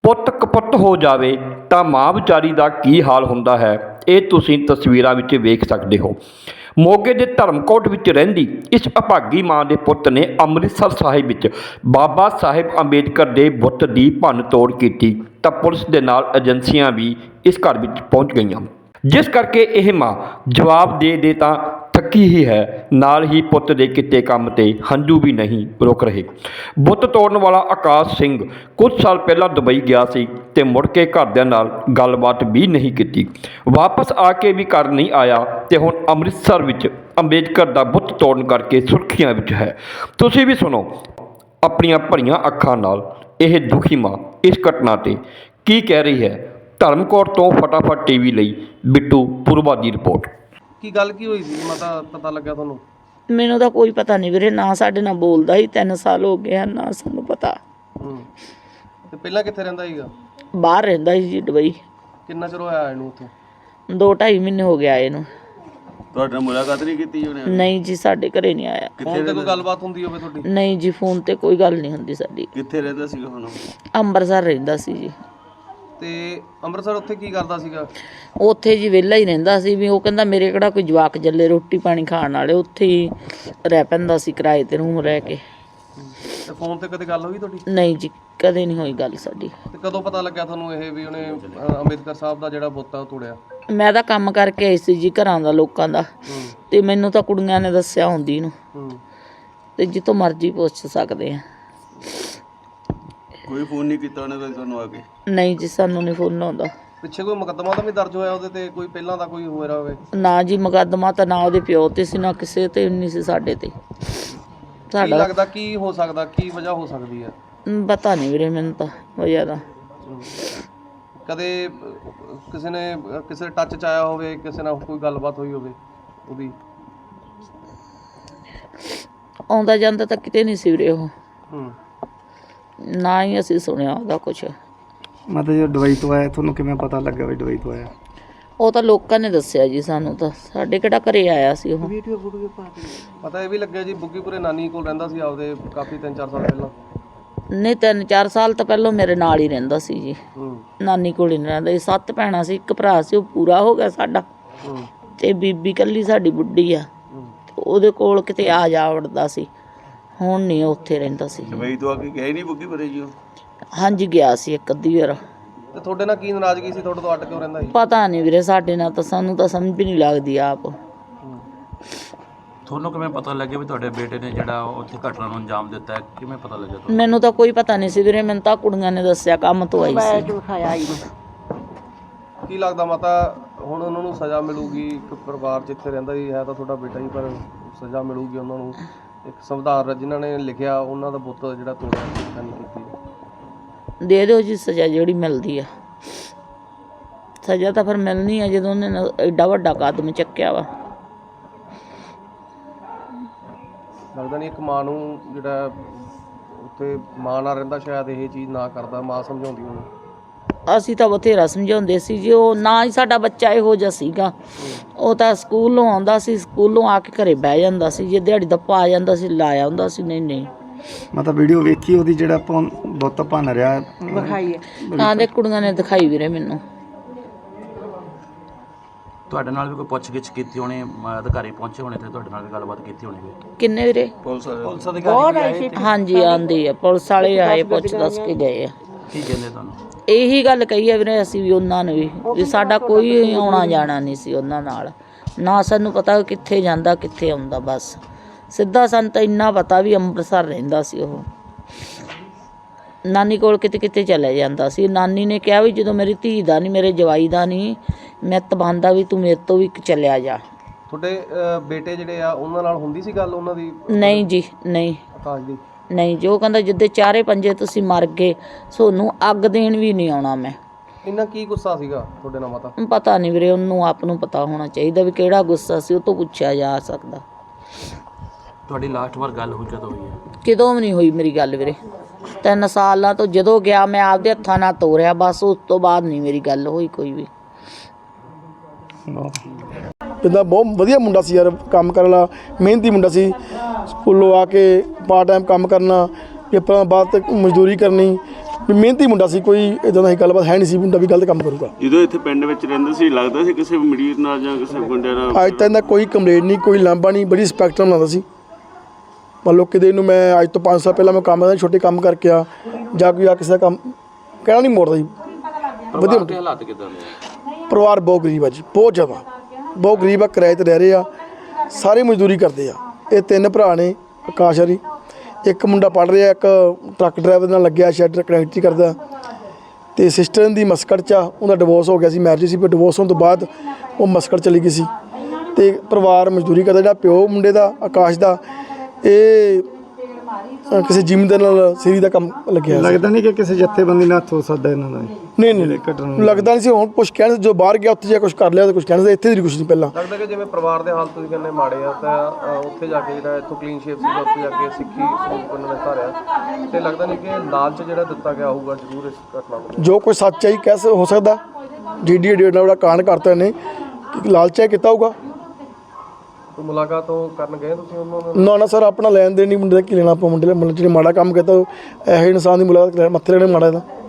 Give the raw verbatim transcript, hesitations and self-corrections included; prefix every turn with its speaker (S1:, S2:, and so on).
S1: ਪੁੱਤ ਕਪੁੱਤ ਹੋ ਜਾਵੇ ਤਾਂ ਮਾਂ ਵਿਚਾਰੀ ਦਾ ਕੀ ਹਾਲ ਹੁੰਦਾ ਹੈ, ਇਹ ਤੁਸੀਂ ਤਸਵੀਰਾਂ ਵਿੱਚ ਵੇਖ ਸਕਦੇ ਹੋ। ਮੋਗੇ ਦੇ ਧਰਮਕੋਟ ਵਿੱਚ ਰਹਿੰਦੀ ਇਸ ਅਭਾਗੀ ਮਾਂ ਦੇ ਪੁੱਤ ਨੇ ਅੰਮ੍ਰਿਤਸਰ ਸਾਹਿਬ ਵਿੱਚ ਬਾਬਾ ਸਾਹਿਬ ਅੰਬੇਦਕਰ ਦੇ ਬੁੱਤ ਦੀ ਭੰਨ ਤੋੜ ਕੀਤੀ ਤਾਂ ਪੁਲਿਸ ਦੇ ਨਾਲ ਏਜੰਸੀਆਂ ਵੀ ਇਸ ਘਰ ਵਿੱਚ ਪਹੁੰਚ ਗਈਆਂ, ਜਿਸ ਕਰਕੇ ਇਹ ਮਾਂ ਜਵਾਬ ਦੇ ਦੇ ਤਾਂ ਥੱਕੀ ਹੀ ਹੈ, ਨਾਲ ਹੀ ਪੁੱਤ ਦੇ ਕੀਤੇ ਕੰਮ ਤੇ ਹੰਝੂ ਵੀ ਨਹੀਂ ਰੁਕ ਰਹੇ। ਬੁੱਤ ਤੋੜਨ ਵਾਲਾ ਆਕਾਸ਼ ਸਿੰਘ ਕੁਝ ਸਾਲ ਪਹਿਲਾਂ ਦੁਬਈ ਗਿਆ ਸੀ ਤੇ ਮੁੜ ਕੇ ਘਰਦਿਆਂ ਨਾਲ ਗੱਲਬਾਤ ਵੀ ਨਹੀਂ ਕੀਤੀ, ਵਾਪਸ ਆ ਕੇ ਵੀ ਘਰ ਨਹੀਂ ਆਇਆ ਤੇ ਹੁਣ ਅੰਮ੍ਰਿਤਸਰ ਵਿੱਚ ਅੰਬੇਦਕਰ ਦਾ ਬੁੱਤ ਤੋੜਨ ਕਰਕੇ ਸੁਰਖੀਆਂ ਵਿੱਚ ਹੈ। ਤੁਸੀਂ ਵੀ ਸੁਣੋ ਆਪਣੀਆਂ ਭਰੀਆਂ ਅੱਖਾਂ ਨਾਲ ਇਹ ਦੁਖੀ ਮਾਂ ਇਸ ਘਟਨਾ ਤੇ ਕੀ ਕਹਿ ਰਹੀ ਹੈ। ਧਰਮਕੋਟ ਤੋਂ ਫਟਾਫਟ ਟੀਵੀ ਲਈ ਬਿੱਟੂ ਪੁਰਵਾ ਦੀ ਰਿਪੋਰਟ।
S2: ਕੀ ਗੱਲ ਕੀ ਹੋਈ ਸੀ ਮਾਤਾ, ਪਤਾ ਲੱਗਿਆ ਤੁਹਾਨੂੰ?
S3: ਮੈਨੂੰ ਤਾਂ ਕੋਈ ਪਤਾ ਨਹੀਂ ਵੀਰੇ, ਨਾ ਸਾਡੇ ਨਾਲ ਬੋਲਦਾ ਹੀ ਤਿੰਨ ਸਾਲ ਹੋ ਗਏ ਹਨ, ਨਾ ਸਾਨੂੰ ਪਤਾ।
S2: ਹੂੰ ਤੇ ਪਹਿਲਾਂ ਕਿੱਥੇ ਰਹਿੰਦਾ ਸੀਗਾ?
S3: ਬਾਹਰ ਰਹਿੰਦਾ ਸੀ ਜੀ ਦੁਬਈ।
S2: ਕਿੰਨਾ ਚਿਰ ਹੋਇਆ ਇਹਨੂੰ ਉੱਥੇ?
S3: ਦੋ ਢਾਈ ਮਹੀਨੇ ਹੋ ਗਿਆ ਇਹਨੂੰ।
S4: ਤੁਹਾਡੇ ਨਾਲ ਮੁਲਾਕਾਤ ਨਹੀਂ ਕੀਤੀ ਉਹਨੇ?
S3: ਨਹੀਂ ਜੀ, ਸਾਡੇ ਘਰੇ ਨਹੀਂ ਆਇਆ।
S2: ਫੋਨ ਤੇ ਕੋਈ ਗੱਲਬਾਤ ਹੁੰਦੀ ਹੋਵੇ ਤੁਹਾਡੀ?
S3: ਨਹੀਂ ਜੀ, ਫੋਨ ਤੇ ਕੋਈ ਗੱਲ ਨਹੀਂ ਹੁੰਦੀ ਸਾਡੀ।
S4: ਕਿੱਥੇ ਰਹਿੰਦਾ ਸੀਗਾ ਹੁਣ?
S3: ਅੰਮ੍ਰਿਤਸਰ ਰਹਿੰਦਾ ਸੀ ਜੀ।
S2: ਤੇ ਅੰਮ੍ਰਿਤਸਰ ਉੱਥੇ ਕੀ ਕਰਦਾ ਸੀਗਾ?
S3: ਉੱਥੇ ਜੀ ਵਿਹਲਾ ਹੀ ਰਹਿੰਦਾ ਸੀ, ਵੀ ਉਹ ਕਹਿੰਦਾ ਮੇਰੇ ਕਿਹੜਾ ਕੋਈ ਜਵਾਕ ਜੱਲੇ ਰੋਟੀ ਪਾਣੀ ਖਾਣ ਵਾਲੇ, ਉੱਥੇ ਹੀ ਰਹਿ ਪੈਂਦਾ ਸੀ ਕਿਰਾਏ ਤੇ ਰੂਮ ਰਹਿ ਕੇ।
S2: ਤੇ ਫੋਨ ਤੇ ਕਦੇ ਗੱਲ ਹੋਈ ਤੁਹਾਡੀ?
S3: ਨਹੀਂ ਜੀ, ਕਦੇ ਨਹੀਂ ਹੋਈ ਗੱਲ ਸਾਡੀ।
S2: ਤੇ ਕਦੋਂ ਪਤਾ ਲੱਗਿਆ ਤੁਹਾਨੂੰ ਇਹ ਵੀ ਉਹਨੇ ਅ, ਅੰਬੇਦਕਰ ਸਾਹਿਬ ਦਾ ਜਿਹੜਾ ਬੁੱਤ ਆ ਉਹ ਤੋੜਿਆ?
S3: ਮੈਂ ਤਾਂ ਕੰਮ ਕਰਕੇ ਆਈ ਸੀ ਜੀ ਘਰਾਂ ਦਾ ਲੋਕਾਂ ਦਾ,
S2: ਹੂੰ
S3: ਤੇ ਮੈਨੂੰ ਤਾਂ ਕੁੜੀਆਂ ਨੇ ਦੱਸਿਆ ਹੁੰਦੀ ਨੂੰ,
S2: ਹੂੰ
S3: ਤੇ ਜਿੱਥੋਂ ਮਰਜ਼ੀ ਪੁੱਛ ਸਕਦੇ ਆ।
S4: ਕੋਈ ਫੋਨ ਨਹੀਂ ਕੀਤਾ ਉਹਨੇ ਕਦੇ ਤੁਹਾਨੂੰ ਆ ਕੇ?
S3: ਨਹੀਂ ਜੀ, ਸਾਨੂੰ ਨਹੀਂ ਫੋਨ ਆਉਂਦਾ।
S2: ਪਿੱਛੇ ਕੋਈ ਮੁਕੱਦਮਾ ਤਾਂ ਵੀ ਦਰਜ ਹੋਇਆ ਉਹਦੇ ਤੇ? ਕੋਈ ਪਹਿਲਾਂ ਦਾ ਕੋਈ ਹੋਇਆ ਹੋਵੇ?
S3: ਨਾ ਜੀ, ਮੁਕੱਦਮਾ ਤਾਂ ਨਾ ਉਹਦੇ ਪਿਓ ਤੇ ਸੀ, ਨਾ ਕਿਸੇ ਤੇ ਨਹੀਂ ਸੀ ਸਾਡੇ ਤੇ।
S2: ਕੀ
S3: ਸਾਡਾ
S2: ਲੱਗਦਾ ਕੀ ਹੋ ਸਕਦਾ, ਕੀ ਵਜ੍ਹਾ ਹੋ ਸਕਦੀ ਹੈ?
S3: ਪਤਾ ਨਹੀਂ ਵੀਰੇ, ਮੈਨੂੰ ਤਾਂ ਵਜ੍ਹਾ ਦਾ।
S2: ਕਦੇ ਅ, ਕਿਸੇ ਨੇ ਅ, ਕਿਸੇ ਟੱਚ ਚ ਆਇਆ ਹੋਵੇ, ਕਿਸੇ ਨਾਲ ਕੋਈ ਗੱਲਬਾਤ ਹੋਈ ਹੋਵੇ ਉਹਦੀ?
S3: ਆਉਂਦਾ ਜਾਂਦਾ ਤਾਂ ਕਿਤੇ ਨਹੀਂ ਸੀ ਵੀਰੇ ਉਹ,
S2: ਹੂੰ
S3: ਨਾ ਹੀ ਅਸੀਂ ਸੁਣਿਆ ਉਹਦਾ ਕੁਛ।
S5: ਮਤਲਬ ਜਦੋਂ ਦੁਬਈ ਤੋਂ ਆਇਆ ਤੁਹਾਨੂੰ ਕਿਵੇਂ ਪਤਾ ਲੱਗਾ ਵੀ ਦੁਬਈ ਤੋਂ ਆਇਆ?
S3: ਉਹ ਤਾਂ ਲੋਕਾਂ ਨੇ ਦੱਸਿਆ ਜੀ ਸਾਨੂੰ, ਤਾਂ ਸਾਡੇ ਕਿਹੜਾ ਘਰੇ ਆਇਆ ਸੀ ਉਹ।
S2: ਪਤਾ ਇਹ ਵੀ ਲੱਗਿਆ ਜੀ ਬੁੱਗੀਪੁਰੇ ਨਾਨੀ ਕੋਲ ਰਹਿੰਦਾ ਸੀ ਆਪਦੇ, ਕਾਫੀ ਤਿੰਨ ਚਾਰ ਸਾਲ ਪਹਿਲਾਂ।
S3: ਨਹੀਂ, ਤਿੰਨ ਚਾਰ ਸਾਲ ਤਾਂ ਪਹਿਲਾਂ ਮੇਰੇ ਨਾਲ ਹੀ ਰਹਿੰਦਾ ਸੀ ਜੀ,
S2: ਹੂੰ
S3: ਨਾਨੀ ਕੋਲ ਹੀ ਨਹੀਂ ਰਹਿੰਦਾ ਸੀ। ਸੱਤ ਭੈਣਾਂ ਸੀ, ਇੱਕ ਭਰਾ ਸੀ, ਉਹ ਪੂਰਾ ਹੋ ਗਿਆ ਸਾਡਾ,
S2: ਹੂੰ
S3: ਤੇ ਬੀਬੀ ਕੱਲੀ ਸਾਡੀ ਬੁੱਢੀ ਆ,
S2: ਹੂੰ
S3: ਤੇ ਉਹਦੇ ਕੋਲ ਕਿਤੇ ਆ ਜਾ ਵੜਦਾ ਸੀ। ਹੁਣ ਨਹੀਂ, ਉੱਥੇ ਰਹਿੰਦਾ ਸੀ।
S4: ਦੁਬਈ ਤੋਂ ਆ ਕੇ ਗਏ ਨਹੀਂ ਬੁੱਗੀ ਭਰੇ ਜੀ ਉਹ?
S3: ਹਾਂਜੀ, ਗਿਆ ਸੀ ਇੱਕ ਅੱਧੀ ਵਾਰ।
S2: ਤੇ ਤੁਹਾਡੇ ਨਾਲ ਕੀ ਨਾਰਾਜ਼ਗੀ ਸੀ? ਤੁਹਾਡੇ ਤੋਂ ਅੱਡ ਕਿਉਂ ਰਹਿੰਦਾ ਸੀ?
S3: ਪਤਾ ਨਹੀਂ ਵੀਰੇ, ਸਾਡੇ ਨਾਲ ਤਾਂ ਸਾਨੂੰ ਤਾਂ ਸਮਝ ਵੀ ਨਹੀਂ ਲੱਗਦੀ ਆਪ।
S6: ਤੁਹਾਨੂੰ ਕਿਵੇਂ ਪਤਾ ਲੱਗਿਆ ਵੀ ਤੁਹਾਡੇ ਬੇਟੇ ਨੇ ਜਿਹੜਾ ਉੱਥੇ ਘਟਨਾ ਨੂੰ ਅੰਜਾਮ ਦਿੱਤਾ ਹੈ? ਕਿਵੇਂ ਪਤਾ ਲੱਗਿਆ ਤੁਹਾਨੂੰ?
S3: ਮੈਨੂੰ ਤਾਂ ਕੋਈ ਪਤਾ ਨਹੀਂ ਸੀ ਵੀਰੇ, ਮੈਨੂੰ ਤਾਂ ਕੁੜੀਆਂ ਨੇ ਦੱਸਿਆ, ਕੰਮ ਤੋਂ ਆਈ ਸੀ।
S2: ਕੀ ਲੱਗਦਾ ਮਾਤਾ, ਹੁਣ ਉਹਨਾਂ ਨੂੰ ਸਜ਼ਾ ਮਿਲੂਗੀ? ਇੱਕ ਪਰਿਵਾਰ ਜਿੱਥੇ ਰਹਿੰਦਾ ਹੀ ਹੈ ਤਾਂ ਤੁਹਾਡਾ ਬੇਟਾ ਹੀ, ਪਰ ਸਜ਼ਾ ਮਿਲੂਗੀ ਉਹਨਾਂ ਨੂੰ। ਇੱਕ ਸੰਵਿਧਾਨ ਜਿਨ੍ਹਾਂ ਨੇ ਲਿਖਿਆ ਉਹਨਾਂ ਦਾ ਬੁੱਤ ਜਿਹੜਾ ਤੋੜਿਆ, ਸਿੱਖਿਆ ਨਹੀਂ ਕੀਤੀ।
S3: ਦੇ ਦਿਓ ਜੀ ਸਜ਼ਾ ਜਿਹੜੀ ਮਿਲਦੀ ਆ। ਸਜ਼ਾ ਤਾਂ ਫਿਰ ਮਿਲਣੀ ਆ ਜਦੋਂ ਉਹਨੇ ਨਾ ਐਡਾ ਵੱਡਾ ਕਦਮ ਚੱਕਿਆ ਵਾ।
S2: ਲੱਗਦਾ ਨਹੀਂ ਇੱਕ ਮਾਂ ਨੂੰ ਜਿਹੜਾ ਉੱਥੇ ਮਾਂ ਨਾਲ ਰਹਿੰਦਾ ਸ਼ਾਇਦ ਇਹ ਚੀਜ਼ ਨਾ ਕਰਦਾ, ਮਾਂ ਸਮਝਾਉਂਦੀ ਉਹਨੂੰ।
S3: ਅਸੀਂ ਤਾਂ ਬਥੇਰਾ ਸਮਝਾਉਂਦੇ ਸੀ ਜੀ, ਉਹ ਨਾ ਹੀ ਸਾਡਾ ਬੱਚਾ ਇਹੋ ਜਿਹਾ ਸੀਗਾ। ਉਹ ਤਾਂ ਸਕੂਲੋਂ ਆਉਂਦਾ ਸੀ, ਸਕੂਲੋਂ ਆ ਕੇ ਘਰੇ ਬਹਿ ਜਾਂਦਾ ਸੀ, ਜੇ ਦਿਹਾੜੀ ਦਾ ਪਾ ਜਾਂਦਾ ਸੀ ਲਾਇਆ ਹੁੰਦਾ ਸੀ। ਨਹੀਂ ਨਹੀਂ,
S5: ਮਤਲਬ ਵੀਡੀਓ ਵੇਖੀ ਉਹਦੀ ਜਿਹੜਾ ਆਪਾਂ ਬੁੱਤ ਭੰਨ ਰਿਹਾ?
S3: ਦਿਖਾਈ ਹੈ ਤਾਂ ਦੇ ਕੁੜੀਆਂ ਨੇ ਦਿਖਾਈ ਵੀਰੇ ਮੈਨੂੰ।
S6: ਤੁਹਾਡੇ ਨਾਲ ਵੀ ਕੋਈ ਪੁੱਛਗਿੱਛ ਕੀਤੀ ਹੋਣੀ, ਅਧਿਕਾਰੀ ਪਹੁੰਚੇ ਹੋਣੇ ਤੇ ਤੁਹਾਡੇ ਨਾਲ ਵੀ ਗੱਲਬਾਤ ਕੀਤੀ ਹੋਣੀ ਵੀ?
S3: ਕਿੰਨੇ ਵੀਰੇ?
S4: ਪੁਲਿਸ ਵਾਲੇ?
S2: ਪੁਲਿਸ ਅਧਿਕਾਰੀ
S3: ਹਾਂਜੀ, ਆਂਦੀ ਆ ਪੁਲਿਸ ਵਾਲੇ, ਆਏ ਪੁੱਛ ਦੱਸ ਕੇ ਗਏ ਆ।
S6: ਕੀ ਕਹਿੰਦੇ ਤੁਹਾਨੂੰ?
S3: ਇਹੀ ਗੱਲ ਕਹੀ ਆ ਵੀਰੇ ਅਸੀਂ ਵੀ ਉਹਨਾਂ ਨੂੰ ਵੀ, ਵੀ ਸਾਡਾ ਕੋਈ ਆਉਣਾ ਜਾਣਾ ਨਹੀਂ ਸੀ ਉਹਨਾਂ ਨਾਲ, ਨਾ ਸਾਨੂੰ ਪਤਾ ਕਿੱਥੇ ਜਾਂਦਾ ਕਿੱਥੇ ਆਉਂਦਾ। ਬਸ ਸਿੱਧਾ ਸਾਨੂੰ ਤਾਂ ਇੰਨਾ ਪਤਾ ਵੀ ਅੰਮ੍ਰਿਤਸਰ ਰਹਿੰਦਾ ਸੀ ਉਹ, ਨਾਨੀ ਕੋਲ ਕਿਤੇ ਕਿਤੇ ਚਲੇ ਜਾਂਦਾ ਸੀ। ਨਾਨੀ ਨੇ ਕਿਹਾ ਵੀ ਜਦੋਂ ਮੇਰੀ ਧੀ ਦਾ ਨਹੀਂ, ਮੇਰੇ ਜਵਾਈ ਦਾ ਨਹੀਂ, ਮੈਂ ਤਬਾਂਦਾ ਵੀ ਤੂੰ ਮੇਰੇ ਤੋਂ ਵੀ ਚਲਿਆ ਜਾ।
S2: ਤੁਹਾਡੇ ਅ, ਬੇਟੇ ਜਿਹੜੇ ਆ ਉਹਨਾਂ ਨਾਲ ਹੁੰਦੀ ਸੀ ਗੱਲ ਉਹਨਾਂ ਦੀ?
S3: ਨਹੀਂ ਜੀ, ਨਹੀਂ
S2: ਆਕਾਸ਼ ਦੀ?
S3: ਨਹੀਂ, ਜੋ ਕਹਿੰਦਾ ਜਿੱਦੇ ਚਾਰੇ ਪੰਜੇ ਤੁਸੀਂ ਮਰ ਗਏ, ਸੋਨੂੰ ਅੱਗ ਦੇਣ ਵੀ ਨਹੀਂ ਆਉਣਾ ਮੈਂ।
S2: ਇੰਨਾ ਕੀ ਗੁੱਸਾ ਸੀਗਾ ਤੁਹਾਡੇ ਨਾਲ ਮਾਤਾ?
S3: ਪਤਾ ਨਹੀਂ ਵੀਰੇ, ਉਹਨੂੰ ਆਪ ਨੂੰ ਪਤਾ ਹੋਣਾ ਚਾਹੀਦਾ ਵੀ ਕਿਹੜਾ ਗੁੱਸਾ ਸੀ, ਉਹ ਤੋਂ ਪੁੱਛਿਆ ਜਾ ਸਕਦਾ।
S6: ਤੁਹਾਡੀ ਲਾਸਟ ਵਾਰ ਗੱਲ ਹੋਈ ਕਦੋਂ ਹੋਈ ਹੈ?
S3: ਕਿਦੋਂ ਵੀ ਨਹੀਂ ਹੋਈ ਮੇਰੀ ਗੱਲ ਵੀਰੇ, ਤਿੰਨ ਸਾਲਾਂ ਤੋਂ ਜਦੋਂ ਗਿਆ ਮੈਂ ਆਪਦੇ ਹੱਥਾਂ ਨਾਲ ਤੋਰਿਆ, ਬਸ ਉਸ ਤੋਂ ਬਾਅਦ ਨਹੀਂ ਮੇਰੀ ਗੱਲ ਹੋਈ ਕੋਈ ਵੀ।
S7: ਜਿੱਦਾਂ ਬਹੁਤ ਵਧੀਆ ਮੁੰਡਾ ਸੀ ਯਾਰ, ਕੰਮ ਕਰਨ ਵਾਲਾ, ਮਿਹਨਤੀ ਮੁੰਡਾ ਸੀ। ਸਕੂਲੋਂ ਆ ਕੇ ਪਾਰਟ ਟਾਈਮ ਕੰਮ ਕਰਨਾ, ਪੇਪਰਾਂ ਬਾਅਦ ਤੱਕ ਮਜ਼ਦੂਰੀ ਕਰਨੀ, ਵੀ ਮਿਹਨਤੀ ਮੁੰਡਾ ਸੀ, ਕੋਈ ਇਦਾਂ ਦੀ ਗੱਲਬਾਤ ਹੈ ਨਹੀਂ ਸੀ ਮੁੰਡਾ ਵੀ ਗਲਤ ਕੰਮ ਕਰੂਗਾ।
S4: ਜਦੋਂ ਇੱਥੇ ਪਿੰਡ ਵਿੱਚ ਰਹਿੰਦਾ ਸੀ ਲੱਗਦਾ ਸੀ ਕਿਸੇ ਮਰੀਜ਼ ਨਾਲ ਜਾਂ ਕਿਸੇ ਗੁੰਡਿਆਂ ਨਾਲ?
S7: ਅੱਜ ਤੱਕ ਦਾ ਕੋਈ ਕੰਪਲੇਂਟ ਨਹੀਂ, ਕੋਈ ਲਾਂਭਾ ਨਹੀਂ, ਬੜੀ ਰਿਸਪੈਕਟ ਨਾਲ ਬਣਾਉਂਦਾ ਸੀ। ਮੰਨ ਲਓ ਕਿਤੇ ਨੂੰ ਮੈਂ ਅੱਜ ਤੋਂ ਪੰਜ ਸਾਲ ਪਹਿਲਾਂ ਮੈਂ ਕੰਮ ਕਰਦਾ ਛੋਟੇ ਕੰਮ ਕਰਕੇ ਆ ਜਾਂ ਕੋਈ ਆ ਕਿਸੇ ਦਾ ਕੰਮ ਕਹਿਣਾ ਨਹੀਂ ਮੋੜਦਾ ਜੀ। ਵਧੀਆ ਮੁੰਡਾ।
S6: ਹਾਲਾਤ ਕਿਦਾਂ ਨੇ?
S7: ਪਰਿਵਾਰ ਬਹੁਤ ਗਰੀਬ ਆ ਜੀ, ਬਹੁਤ ਜ਼ਿਆਦਾ ਬਹੁਤ ਗਰੀਬ ਆ, ਕਿਰਾਏ 'ਤੇ ਰਹਿ ਰਹੇ ਆ, ਸਾਰੇ ਮਜ਼ਦੂਰੀ ਕਰਦੇ ਆ। ਇਹ ਤਿੰਨ ਭਰਾ ਨੇ ਆਕਾਸ਼ ਹਰੀ, ਇੱਕ ਮੁੰਡਾ ਪੜ੍ਹ ਰਿਹਾ, ਇੱਕ ਟਰੱਕ ਡਰਾਈਵਰ ਨਾਲ ਲੱਗਿਆ ਸ਼ੈਡ ਕਨੈਕਟਰੀ ਕਰਦਾ, ਅਤੇ ਸਿਸਟਰ ਦੀ ਮਸਕਟ 'ਚ ਆ, ਉਹਦਾ ਡਿਵੋਰਸ ਹੋ ਗਿਆ ਸੀ, ਮੈਰਿਜ ਸੀ, ਪਰ ਡਿਵੋਰਸ ਹੋਣ ਤੋਂ ਬਾਅਦ ਉਹ ਮਸਕਟ ਚਲੀ ਗਈ ਸੀ ਅਤੇ ਪਰਿਵਾਰ ਮਜ਼ਦੂਰੀ ਕਰਦਾ। ਜਿਹੜਾ ਪਿਓ ਮੁੰਡੇ ਦਾ ਆਕਾਸ਼ ਦਾ ਇਹ ਅ, ਕਿਸੇ ਜ਼ਿਮੀਂਦਾਰ ਨਾਲ ਸੀਰੀ ਦਾ ਕੰਮ ਲੱਗਿਆ ਸੀ।
S5: ਲੱਗਦਾ ਨਹੀਂ ਕਿ ਕਿਸੇ ਜੱਥੇਬੰਦੀ ਨਾਲ ਹੱਥ ਹੋ ਸਕਦਾ ਇਹਨਾਂ ਦਾ?
S7: ਨਹੀਂ ਨਹੀਂ ਲੱਗਦਾ ਨਹੀਂ ਸੀ। ਹੁਣ ਕੁਛ ਕਹਿਣ ਜੋ ਬਾਹਰ ਗਿਆ ਉੱਥੇ ਜਾ ਕੁਛ ਕਰ ਲਿਆ ਤਾਂ ਕੁਛ ਕਹਿਣ ਇੱਥੇ ਦੀ ਕੁਛ ਨਹੀਂ। ਪਹਿਲਾਂ
S2: ਲੱਗਦਾ ਕਿ ਜਿਵੇਂ ਪਰਿਵਾਰ ਦੇ ਹਾਲ ਤੁਸੀਂ ਕਹਿੰਦੇ ਮਾੜੇ ਆ ਤਾਂ ਅ, ਉੱਥੇ ਜਾ ਕੇ ਜਿਹੜਾ ਇੱਥੋਂ ਕਲੀਨ ਸ਼ੇਪ ਸੀਗਾ ਉੱਥੇ ਜਾ ਕੇ ਸਿੱਖੀ ਸਰੂਪ ਉਹਨਾਂ ਨੇ ਧਾਰਿਆ, ਤੇ ਲੱਗਦਾ ਨਹੀਂ ਕਿ ਲਾਲਚ ਜਿਹੜਾ ਦਿੱਤਾ ਗਿਆ ਹੋਊਗਾ ਜ਼ਰੂਰ ਇਸ ਘਟਨਾ ਨੂੰ।
S7: ਜੋ ਕੋਈ ਸੱਚ ਹੈ ਕਹਿ ਹੋ ਸਕਦਾ, ਜੀ ਡੀ ਡੀ ਨਾਲ ਕਾਂਡ ਕਰਤਾ ਇਹਨੇ ਕਿ ਲਾਲਚਾ ਕੀਤਾ ਹੋਊਗਾ।
S2: ਕੋਈ ਮੁਲਾਕਾਤ ਉਹ ਕਰਨ ਗਏ ਤੁਸੀਂ ਉਹਨਾਂ ਨਾਲ?
S7: ਨਾ ਨਾ ਸਰ, ਆਪਣਾ ਲੈਣ ਦੇਣ ਨਹੀਂ ਮੁੰਡੇ ਦਾ ਕੀ ਲੈਣਾ ਆਪਾਂ। ਮੁੰਡੇ ਮੁੰਡੇ ਜਿਹੜੇ ਮਾੜਾ ਕੰਮ ਕੀਤਾ ਇਹੋ ਇਨਸਾਨ ਦੀ ਮੁਲਾਕਾਤ ਮੱਥੇ ਲੈਣੇ ਮਾੜਾ ਦਾ।